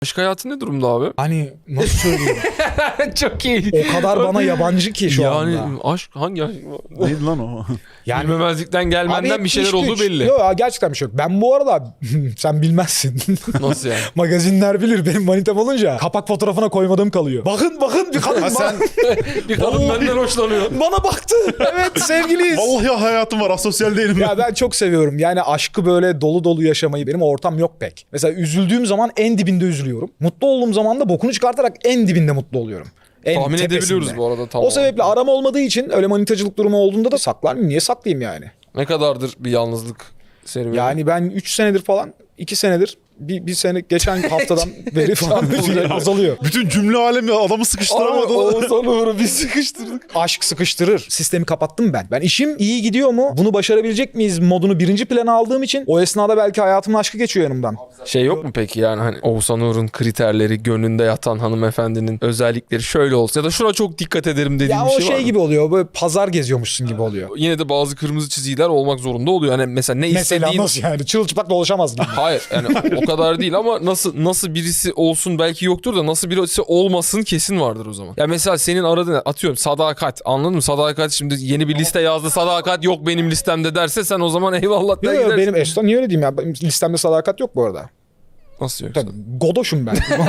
Aşk hayatı ne durumda abi? Hani nasıl söyleyeyim? Çok iyi. O kadar bana yabancı ki şu anda. Yani aşk hangi aşk? Neydi lan o? Yani Bilmemezlikten gelmenden abi bir şeyler 73. olduğu belli. Yok gerçekten bir şey yok. Ben bu arada sen bilmezsin. Nasıl yani? Magazinler bilir benim manitam olunca kapak fotoğrafına koymadığım kalıyor. Bakın bir kadın sen Bir kadın benden hoşlanıyor. bana baktı. Evet sevgiliyiz. vallahi hayatım var, asosyal değilim ben. Ya ben çok seviyorum. Yani aşkı böyle dolu dolu yaşamayı. Benim ortam yok pek. Mesela üzüldüğüm zaman en dibinde üzülüyorum. Mutlu olduğum zaman da bokunu çıkartarak en dibinde mutlu oluyorum. En Tahmin tepesinde. edebiliyoruz bu arada tamam. O sebeple aram olmadığı için öyle manitacılık durumu olduğunda da saklar mıyım? Niye saklayayım yani? Ne kadardır bir yalnızlık serüveni? Yani ben 3 senedir falan 2 senedir bir sene geçen haftadan beri falan azalıyor. Bütün cümle alemi adamı sıkıştıramadı. Oğuzhan Uğur'u bir sıkıştırdık. Aşk sıkıştırır. Sistemi kapattım ben. Ben işim iyi gidiyor mu? Bunu başarabilecek miyiz modunu birinci plana aldığım için o esnada belki hayatımın aşkı geçiyor yanımdan. Şey yok mu peki yani hani Oğuzhan Uğur'un kriterleri, gönlünde yatan hanımefendinin özellikleri şöyle olsun ya da şuna çok dikkat ederim dediğin Ya bir o şey var mı? gibi oluyor. Böyle pazar geziyormuşsun gibi oluyor. Yine de bazı kırmızı çizgiler olmak zorunda oluyor. Hani mesela ne Mesela istediğin... nasıl yani? Çırılçıplak dolaşamaz gibi. Hayır yani o kadar değil ama nasıl birisi olsun belki yoktur da nasıl birisi olmasın kesin vardır o zaman. Ya mesela senin aradığın atıyorum sadakat, anladın mı? Sadakat şimdi yeni bir liste yazdı, sadakat yok benim listemde derse sen o zaman eyvallah der Yok gidersin. benim Esra niye öyle diyeyim ya? Benim listemde sadakat yok bu arada. Nasıl yok? Tabii, godoşum ben.